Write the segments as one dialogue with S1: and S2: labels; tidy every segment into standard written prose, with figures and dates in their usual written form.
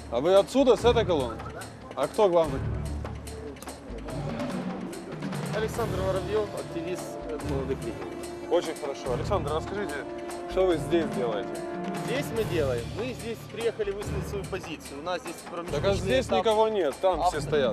S1: А вы отсюда, с этой колонны? А кто главный?
S2: Александр Воробьев, активист молодых лидеров.
S1: Очень хорошо. Александр, расскажите, что вы здесь делаете?
S2: Здесь мы делаем. Мы здесь приехали высказать свою позицию. У нас здесь промежуточный
S1: Так а здесь
S2: этап.
S1: никого нет, там все стоят.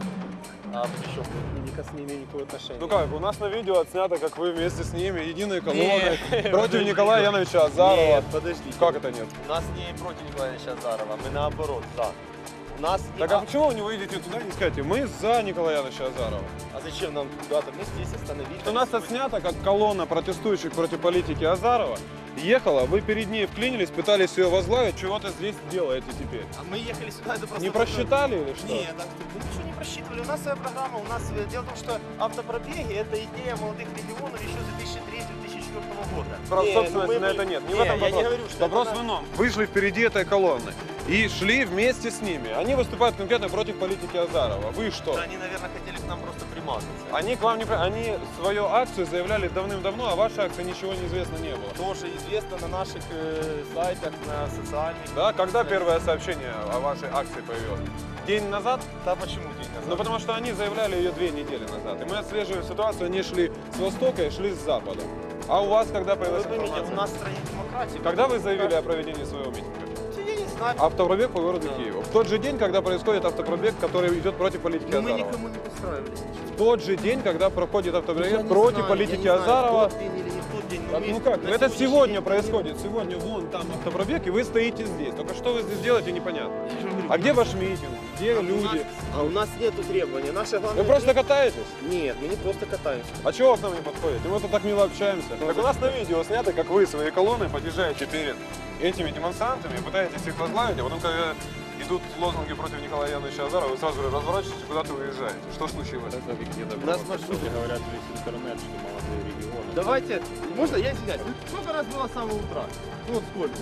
S2: А причем не имею никакого отношения.
S1: Ну как, у нас на видео отснято, как вы вместе с ними, единой колонной, против Николая Яновича Азарова.
S2: Нет, подождите.
S1: Как это нет?
S2: У нас не против Николая Ильича Азарова, мы наоборот, за. У нас
S1: Так а почему вы не выйдете туда и не скажете, мы за Николая Яновича Азарова?
S2: А зачем нам куда-то? Мы здесь остановились.
S1: У нас отснято, как колонна протестующих против политики Азарова ехала, вы перед ней вклинились, пытались ее возглавить, чего ты здесь делаете теперь?
S2: А мы ехали сюда, это просто...
S1: Не просчитали или что?
S2: Нет, мы ничего не просчитывали. У нас своя программа. У нас дело в том, что автопробеги это идея молодых регионов еще с 2003-2004 года.
S1: Прав
S2: Нет,
S1: собственности
S2: ну
S1: на это нет. Не в
S2: Нет,
S1: этом
S2: я
S1: вопрос.
S2: не говорю, что
S1: Вопрос
S2: это
S1: в ином. Вы шли впереди этой колонны и шли вместе с ними. Они выступают конкретно против политики Азарова. Вы что?
S2: Они, наверное, хотели к нам просто примазаться.
S1: Они к вам не... Они свою акцию заявляли давным-давно, а вашей акции ничего неизвестно не было.
S2: Тоже известно на наших сайтах, на социальных.
S1: Да? Когда первое сообщение о вашей акции появилось? День назад?
S2: Да почему день назад?
S1: Ну потому что они заявляли ее 2 недели назад. И мы отслеживаем ситуацию, они шли с востока и шли с запада. А у вас когда появилась
S2: Вы поймите,
S1: информация?
S2: у нас в стране демократии.
S1: Когда вы заявили о проведении своего митинга?
S2: Я не знаю.
S1: Автопробег по городу
S2: Да.
S1: Киеву. В тот же день, когда происходит автопробег, который идет против политики
S2: Но мы
S1: Азарова.
S2: никому не подстраивались.
S1: В тот же день, когда проходит
S2: Я
S1: автопробег
S2: не
S1: против
S2: знаю,
S1: политики
S2: я не знаю,
S1: Азарова.
S2: в тот день или не в тот день, но
S1: Так,
S2: мы
S1: ну как,
S2: на
S1: это
S2: сегодняшний
S1: сегодня
S2: день
S1: происходит. Сегодня вон там автопробег, и вы стоите здесь. Только что вы здесь делаете, непонятно.
S2: Я же говорю,
S1: А
S2: у
S1: где
S2: нас-
S1: ваш митинг? Где люди?
S2: А у нас нету требований. Наша главная...
S1: Вы просто катаетесь?
S2: Нет, мы не просто катаемся.
S1: А чего вы к нам не подходите? Мы тут так мило общаемся. Так у нас на видео снято, как вы своей колонной подъезжаете перед этими демонстрантами, пытаетесь их возглавить, а потом, когда идут лозунги против Николая Яновича Азарова, вы сразу же разворачиваетесь, куда-то уезжаете. Что случилось?
S2: У нас маршрут.
S3: Говорят весь интернет, что молодые регионы.
S2: Давайте, можно я извиняюсь? Сколько раз было с самого утра? Ну вот сколько?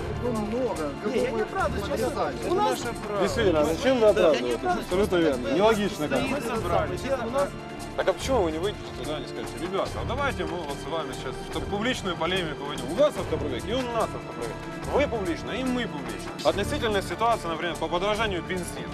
S4: Много.
S2: Не, я не оправдываюсь, честно. У нас...
S1: Действительно, зачем вы оправдываетесь? Абсолютно верно. Нелогично как.
S2: Мы собрались. У нас...
S1: Так а почему вы не выйдете туда и не скажете, ребята, а давайте мы вот с вами сейчас, чтобы публичную полемику войдем. У вас автопробег и у нас автопробег. Вы публично и мы публично. Относительная ситуация, например, по подорожанию бензина.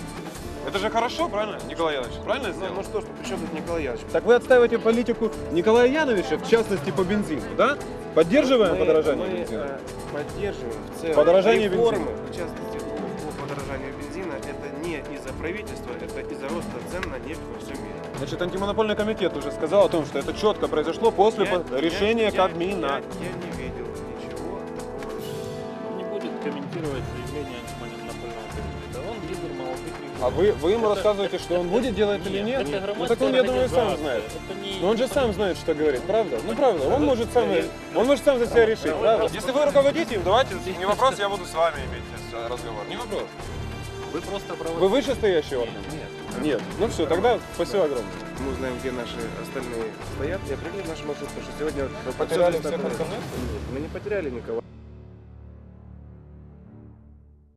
S1: Это же хорошо, правильно, Николай Янович? Правильно сделал?
S2: Ну что ж, при чем тут Николай Янович?
S1: Так вы отстаиваете политику Николая Яновича, в частности по бензину, да? Поддерживаем подорожание бензина?
S4: Поддерживаем в целом
S1: Подорожание
S4: реформы,
S1: бензина.
S4: в частности по подорожанию бензина, это не из-за правительства, это из-за роста цен на нефть во всем мире.
S1: Значит, антимонопольный комитет уже сказал о том, что это четко произошло после решения Кабмина.
S4: Я не видел ничего такого.
S3: Он не будет комментировать заявление антимонопольного комитета. Он лидер молодых регионов.
S1: А вы ему рассказываете, что он будет делать или нет?
S3: Это
S1: Ну так он, я думаю, сам знает. Но он же сам знает, что говорит, правда? Ну правда, он может сам за себя решить, правда? Если вы руководите им, давайте, не вопрос, я буду с вами иметь разговор, не вопрос.
S3: Вы просто проводите.
S1: Вы вышестоящий орган?
S4: Нет.
S1: Нет. Ну все, тогда спасибо огромное.
S4: Мы узнаем, где наши остальные стоят и определим наш маршрут, потому что сегодня...
S1: Вы потеряли всех
S4: абсолютно-
S1: остальных?
S4: Мы не потеряли никого.